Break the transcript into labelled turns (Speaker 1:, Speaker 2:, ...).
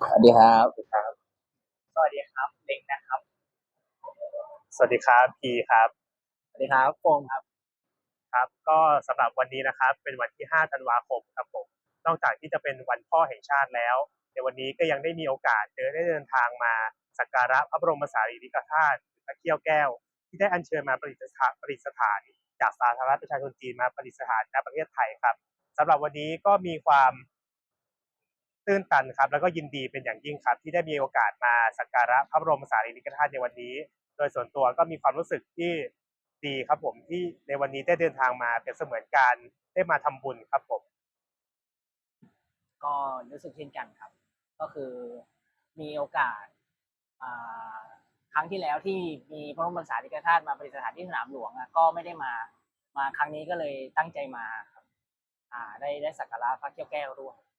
Speaker 1: สวัสดีครับ
Speaker 2: สวัสดีครับเล็กนะครับสวัสดีครับพีครับ
Speaker 1: สวัสดีครับโฟมครับ
Speaker 2: ครับก็สำหรับวันนี้นะครับเป็นวันที่5ธันวาคมครับผมนอกจากที่จะเป็นวันพ่อแห่งชาติแล้วในวันนี้ก็ยังได้มีโอกาสได้เดินทางมาสักการะพระบรมสารีริกธาตุพระเขี้ยวแก้วที่ได้อัญเชิญมาประดิษฐานจากสาธารณรัฐประชาชนจีนมาประดิษฐานณประเทศไทยครับสำหรับวันนี้ก็มีความตื้นตันครับแล้วก็ยินดีเป็นอย่างยิ่งครับที่ได้มีโอกาสมาสักการะพระบรมสารีริกธาตุในวันนี้โดยส่วนตัวก็มีความรู้สึกที่ดีครับผมที่ในวันนี้ได้เดินทางมาเป็นเสมือนการได้มาทำบุญครับผม
Speaker 1: ก็รู้สึกเช่นกันครับก็คือมีโอกาสอ่าครั้งที่แล้วที่มีพระบรมสารีริกธาตุมาประดิษฐานที่สนามหลวงก็ไม่ได้มาครั้งนี้ก็เลยตั้งใจมาครับได้สักการะพระเขี้ยวแก้วด้วย